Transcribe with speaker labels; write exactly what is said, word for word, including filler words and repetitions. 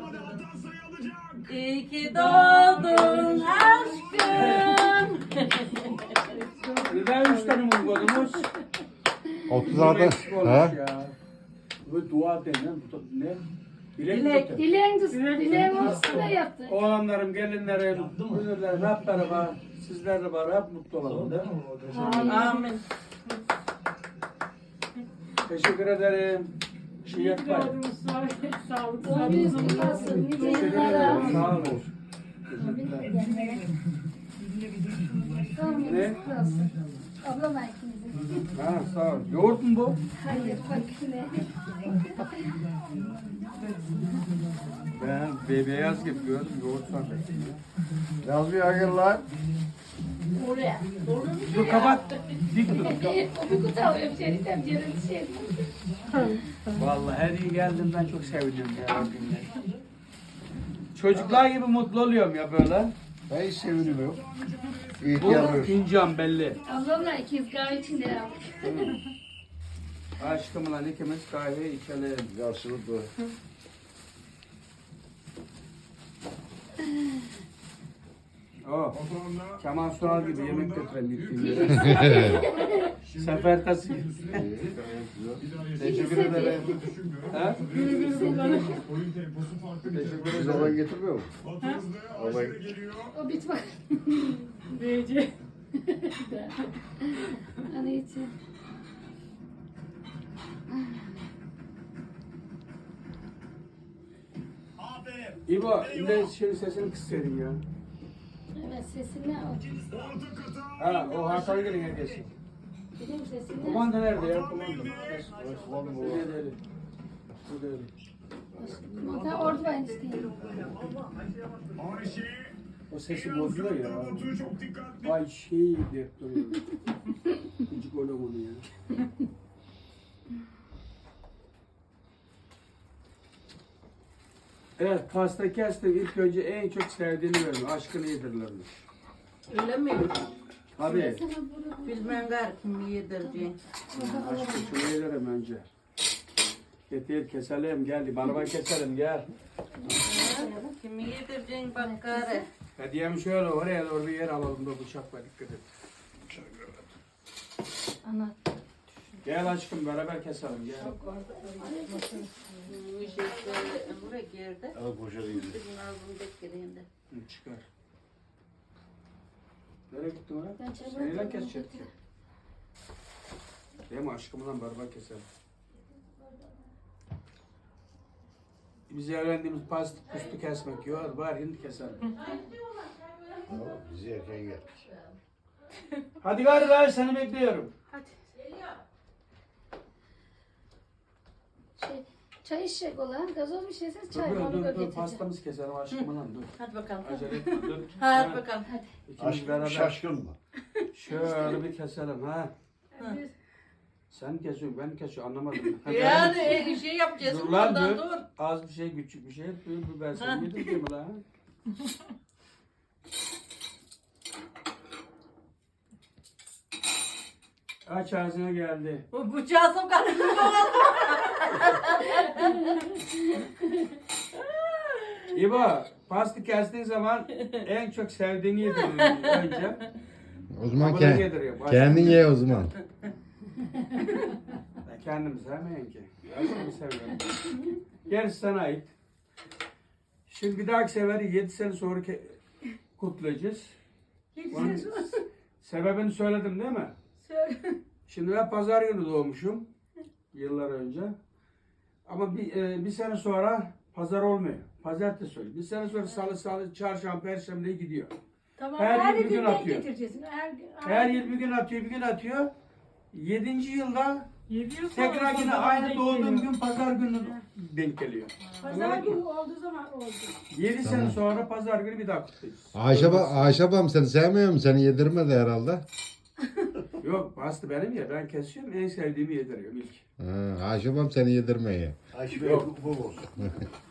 Speaker 1: İyi ki doğdun aşkım.
Speaker 2: Neden üç tane mum koydunuz?
Speaker 3: otuz altı.
Speaker 2: Eksik olmuş
Speaker 3: Ha?
Speaker 2: ya. Bu dua denen bu da ne? Dilek
Speaker 1: Dilek.
Speaker 2: tutun.
Speaker 4: Dileğin dileğin olsun da yaptı.
Speaker 2: Oğlanlarım, gelinlerim, dünürlerim hep beraber, sizler de beraber hep mutlu olalım değil mi?
Speaker 1: Amin.
Speaker 2: Teşekkür ederim. Şey yapmayın.
Speaker 4: Doğru düzgün olsun. Nice
Speaker 2: Teşekkür
Speaker 4: yıllara.
Speaker 2: ederim. Sağ olun.
Speaker 4: Doğum
Speaker 2: Ne?
Speaker 4: gününüz kutlu olsun. Ablama ikinizin.
Speaker 2: Ha, sağ ol. Yoğurt mu bu?
Speaker 4: Hayır bak ne.
Speaker 2: Ben be beyaz gibi gördüm. Yoğurt sandım.
Speaker 3: Yaz bir hayır lan.
Speaker 1: Oraya.
Speaker 2: Dur kapat. Dik dur.
Speaker 4: O bir kutu alıyor. Bir şey diyeceğim. Yarın şey.
Speaker 2: Vallahi her iyi geldiğimden çok seviniyorum ya Rabbimle. Çocuklar gibi mutlu oluyorum ya böyle.
Speaker 3: Ben hiç seviniyorum.
Speaker 2: Bu
Speaker 3: İhtiyarlıyor.
Speaker 2: fincan belli.
Speaker 4: Ablamla ikiz kahve içinde aldık.
Speaker 2: Aşkımla ikimiz kahve içelim.
Speaker 3: Karşılıklı.
Speaker 2: Oh. Kemal Sunal gibi yemek götüren gittiğim yere. Sefer tası. Teşekkür ederim. Ha? Teşekkür
Speaker 3: Siz
Speaker 2: ederim.
Speaker 3: olan getirmiyor mu? Olan
Speaker 4: O bit var.
Speaker 1: Büyücü.
Speaker 4: Hani için.
Speaker 2: İbo, şimdi şimdi sesini kıssaydın ya.
Speaker 4: Evet sesini al.
Speaker 2: Ha, o Hakan'a gelin herkesi.
Speaker 4: Benim sesini al.
Speaker 2: Kumanda nerede ya? Kumanda.
Speaker 3: Osmanlı
Speaker 2: Bu
Speaker 3: bu.
Speaker 2: değil, değil. Bu değil.
Speaker 4: Mata orada ben isteyeyim.
Speaker 2: O sesi bozuyor ya. Ay şey diye duruyor. Gıcık oğlum onu ya. Evet, pasta kestik. İlk önce en çok sevdiğini verin. Aşkını yedirlermiş.
Speaker 1: Öyle mi?
Speaker 2: Tabii.
Speaker 1: Bilmem gar kim yedireceğim.
Speaker 2: Aşkı şunu yedirim önce. Getir keselim gel. Barba keselim gel.
Speaker 1: Kimi yedireceğim bak gari.
Speaker 2: Hediyemi şöyle oraya doğru bir yer alalım da bıçakla dikkat et.
Speaker 4: Anlat.
Speaker 2: Gel aşkım beraber keselim gel.
Speaker 1: Bu şey böyle buraya girdi.
Speaker 3: Al poşeti gidiyor.
Speaker 1: Bizim ağzını bekleyin de.
Speaker 2: Hı, çıkar. Nereye gittin oraya?
Speaker 4: Ben çabuk
Speaker 2: Seninle
Speaker 4: yapalım.
Speaker 2: kesecek ki. Değil mi aşkımla beraber keselim. Biz öğrendiğimiz pasta pustu kesmek yok. Var hindi keselim.
Speaker 3: Tamam, bizi erken geldik.
Speaker 2: Hadi gari gari seni bekliyorum.
Speaker 4: Şey, çay içecek olan gazoz bir şeyse
Speaker 2: Dur
Speaker 4: çay
Speaker 2: dur
Speaker 4: onu
Speaker 2: dur, dur
Speaker 4: getireceğim.
Speaker 2: pastamızı keselim aşkımla dur.
Speaker 1: Hadi bakalım.
Speaker 2: Acele etme dur.
Speaker 1: Hadi bakalım.
Speaker 2: İkimiz
Speaker 3: Aşk
Speaker 2: beraber
Speaker 3: şaşkın mı?
Speaker 2: şöyle bir keselim ha. Sen kesiyorsun ben kesiyorum anlamadım. Ha,
Speaker 1: Yani e, şey yapacağız.
Speaker 2: Dur lan
Speaker 1: Ondan
Speaker 2: dur.
Speaker 1: dur.
Speaker 2: Az bir şey küçük bir şey. Dur dur ben
Speaker 1: Ha.
Speaker 2: sana yedireyim lan. Aç ağzına geldi.
Speaker 1: Bu bıçağı sokarım.
Speaker 2: İbo pastı kestiğin zaman en çok sevdiğini yediriyorum önce.
Speaker 3: O zaman
Speaker 2: Abone
Speaker 3: kend,
Speaker 2: yediriyorum.
Speaker 3: kendin ye o zaman.
Speaker 2: Ben kendim sevmeyin ki. Aşkımı seviyorum. Gerisi sana ait. Şimdi bir dahaki seferi yedi sene sonra ke- kutlayacağız. Onun sebebini söyledim değil mi? Şimdi ben pazar günü doğmuşum. Yıllar önce. Ama bir, e, bir sene sonra pazar olmuyor. Pazartesi oluyor. Bir sene sonra salı, salı, çarşamba, perşembe gidiyor.
Speaker 5: Tamam,
Speaker 2: Her
Speaker 5: her,
Speaker 2: yıl bir gün
Speaker 5: gün
Speaker 2: atıyor.
Speaker 5: getireceksin. Her, gün-
Speaker 2: Her yıl bir gün atıyor, bir gün atıyor. Yedinci yılda
Speaker 5: Yedi yıl sonra
Speaker 2: tekrar yine
Speaker 5: pazar
Speaker 2: aynı
Speaker 5: denk
Speaker 2: doğduğum
Speaker 5: geliyor.
Speaker 2: gün pazar günü denk geliyor.
Speaker 5: Pazar
Speaker 2: Anladın
Speaker 5: günü
Speaker 2: mı?
Speaker 5: olduğu zaman oldu.
Speaker 2: Yedi
Speaker 3: Tamam.
Speaker 2: sene sonra pazar günü bir daha kutlayacağız.
Speaker 3: Ayşe, ba Ayşe abam seni sevmiyor mu? Seni yedirmedi herhalde.
Speaker 2: Yok bastı benim ya ben kesiyorum en sevdiğimi yediriyorum ilk.
Speaker 3: Ha, Ayşe abam seni yedirmeye.
Speaker 2: Yok.
Speaker 3: Bu olsun.